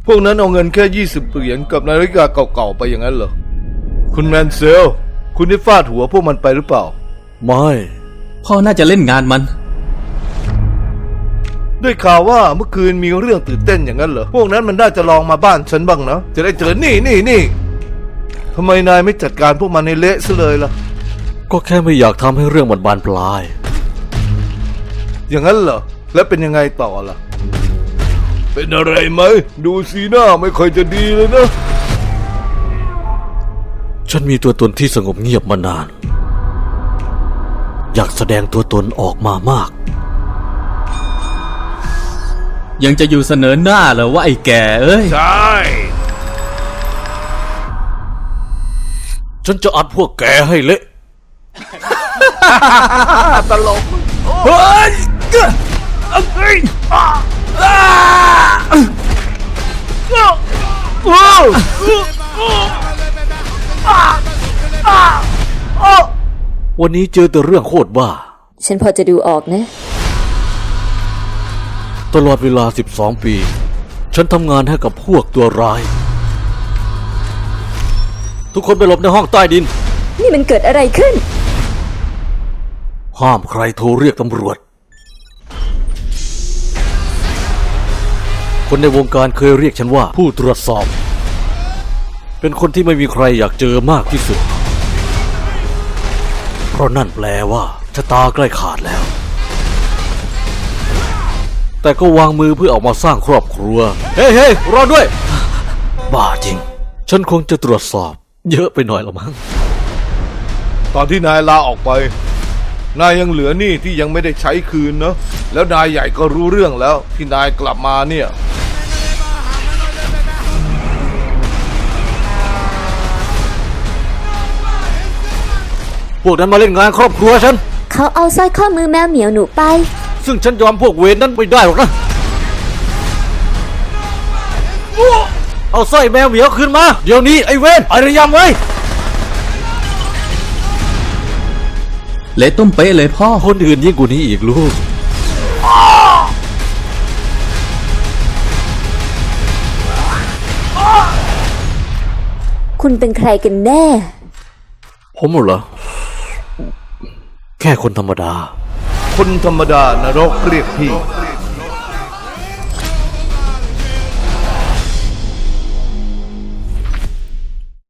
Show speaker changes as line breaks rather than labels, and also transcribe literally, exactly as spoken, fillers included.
พวกนั้นเอาเงินแค่ยี่สิบเหรียญกับนาฬิกาเก่าๆไปอย่างนั้นเหรอคุณแมนเซลคุณได้ฟาดหัวพวกมันไปหรือเปล่า
ไม่
พ่อน่าจะเล่นงานมัน
ได้ข่าวว่าเมื่อคืนมีเรื่องตื่นเต้นอย่างนั้นเหรอพวกนั้นมันน่าจะลองมาบ้านฉันบ้างนะจะได้เจอนี่นี่นี่ทำไมนายไม่จัดการพวกมันในเละซะเลยล่ะ
ก็แค่ไม่อยากทำให้เรื่องมันบานปลาย
อย่างนั้นเหรอแล้วเป็นยังไงต่อล่ะเป็นอะไรไหมดูสีหน้าไม่ค่อยจะดีเลยนะ
ฉันมีตัวตนที่สงบเงียบมานานอยากแสดงตัวตนออกมามาก
ยังจะอยู่เสนอหน้าเหรอว่าไอ้แก่เอ้ย
ใช่
ฉันจะอัดพวกแกให้เละ
ตลก
เฮ้ยวันนี้เจอแต่เรื่องโคตรบ้า
ฉันพอจะดูออกนะ
ตลอดเวลาสิบสองปีฉันทำงานให้กับพวกตัวร้ายทุกคนไปหลบในห้องใต้ดิน
นี่มันเกิดอะไรขึ้น
ห้ามใครโทรเรียกตำรวจคนในวงการเคยเรียกฉันว่าผู้ตรวจสอบเป็นคนที่ไม่มีใครอยากเจอมากที่สุดเพราะนั่นแปลว่าชะตาใกล้ขาดแล้วแต่ก็วางมือเพื่อออกมาสร้างครอบครัวเฮ้ยเฮ้ยรอด้วยบ้าจริงฉันคงจะตรวจสอบเยอะไปหน่อยละมั้ง
ตอนที่นายลาออกไปนายยังเหลือหนี้ที่ยังไม่ได้ใช้คืนเนอะแล้วนายใหญ่ก็รู้เรื่องแล้วที่นายกลับมาเนี่ย
พวกนั้นมาเล่นงานครอบครัวฉัน
เขาเอาสร้อยข้อมือแมวเหมียวหนูไป
ซึ่งฉันยอมพวกเวรนั้นไม่ได้หรอกนะเอาสร้อยแมวเหมียวคืนมาเดี๋ยวนี้ไอ้เวรไอ้ระยำไว้
เละต้มเป๊ะเลยพ่อ
คนอื่นยิ่งกว่านี้อีกลูก
คุณเป็นใครกันแน่
ผมเหรอแค่คนธรรมดา
คนธรรมดานรกเรียกพี่